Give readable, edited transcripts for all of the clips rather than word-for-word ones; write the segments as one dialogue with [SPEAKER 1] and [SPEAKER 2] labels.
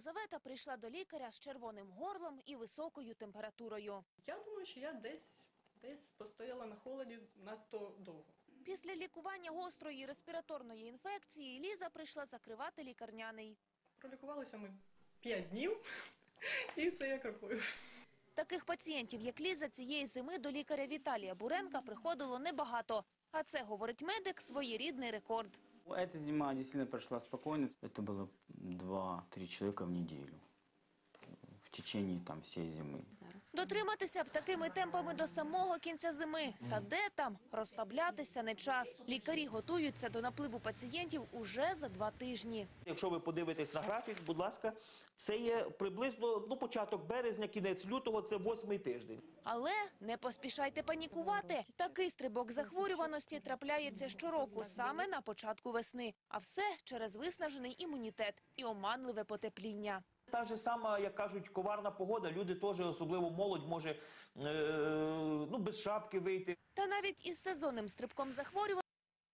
[SPEAKER 1] Єлизавета прийшла до лікаря з червоним горлом і високою температурою.
[SPEAKER 2] Я думаю, що я десь постояла на холоді надто довго.
[SPEAKER 1] Після лікування гострої респіраторної інфекції Ліза прийшла закривати лікарняний.
[SPEAKER 2] Пролікувалися ми 5 днів і все як рукою.
[SPEAKER 1] Таких пацієнтів, як Ліза, цієї зими до лікаря Віталія Буренка приходило небагато. А це, говорить медик, своєрідний рекорд.
[SPEAKER 3] Эта зима действительно прошла спокойно. Это было 2-3 человека в неделю в течение всей зимы.
[SPEAKER 1] Дотриматися б такими темпами до самого кінця зими. Та де там? Розслаблятися не час. Лікарі готуються до напливу пацієнтів уже за 2 тижні.
[SPEAKER 4] Якщо ви подивитесь на графік, будь ласка, це є приблизно початок березня, кінець лютого, це 8-й тиждень.
[SPEAKER 1] Але не поспішайте панікувати. Такий стрибок захворюваності трапляється щороку, саме на початку весни. А все через виснажений імунітет і оманливе потепління.
[SPEAKER 4] Та ж сама, як кажуть, коварна погода, люди теж, особливо молодь, може без шапки вийти.
[SPEAKER 1] Та навіть із сезонним стрибком захворюваності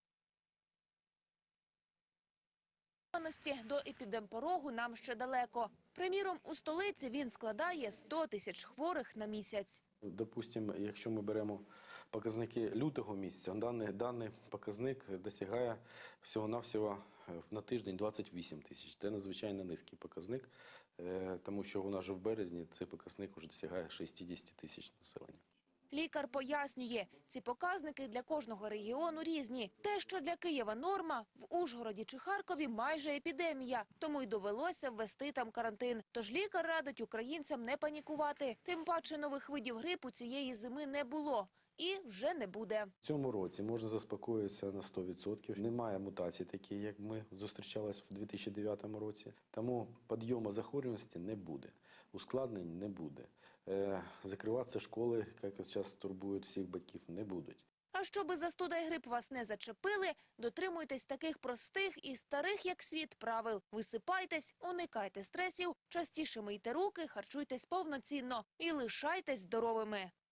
[SPEAKER 1] до епідемпорогу нам ще далеко. Приміром, у столиці він складає 100 тисяч хворих на місяць.
[SPEAKER 5] Допустимо, якщо ми беремо показники лютого місяця, даний показник досягає всього-навсього на тиждень 28 тисяч. Це надзвичайно низький показник, тому що у нас вже в березні цей показник вже досягає 60 тисяч населення.
[SPEAKER 1] Лікар пояснює, ці показники для кожного регіону різні. Те, що для Києва норма, в Ужгороді чи Харкові майже епідемія. Тому й довелося ввести там карантин. Тож лікар радить українцям не панікувати. Тим паче нових видів грипу цієї зими не було. І вже не буде.
[SPEAKER 5] В цьому році можна заспокоїтися на 100%. Немає мутацій такі, як ми зустрічалися в 2009 році. Тому підйому захворюваності не буде, ускладнень не буде. Закриватися школи, як зараз турбують всіх батьків, не будуть.
[SPEAKER 1] А щоби застуда й грип вас не зачепили, дотримуйтесь таких простих і старих, як світ, правил. Висипайтесь, уникайте стресів, частіше мийте руки, харчуйтесь повноцінно і лишайтесь здоровими.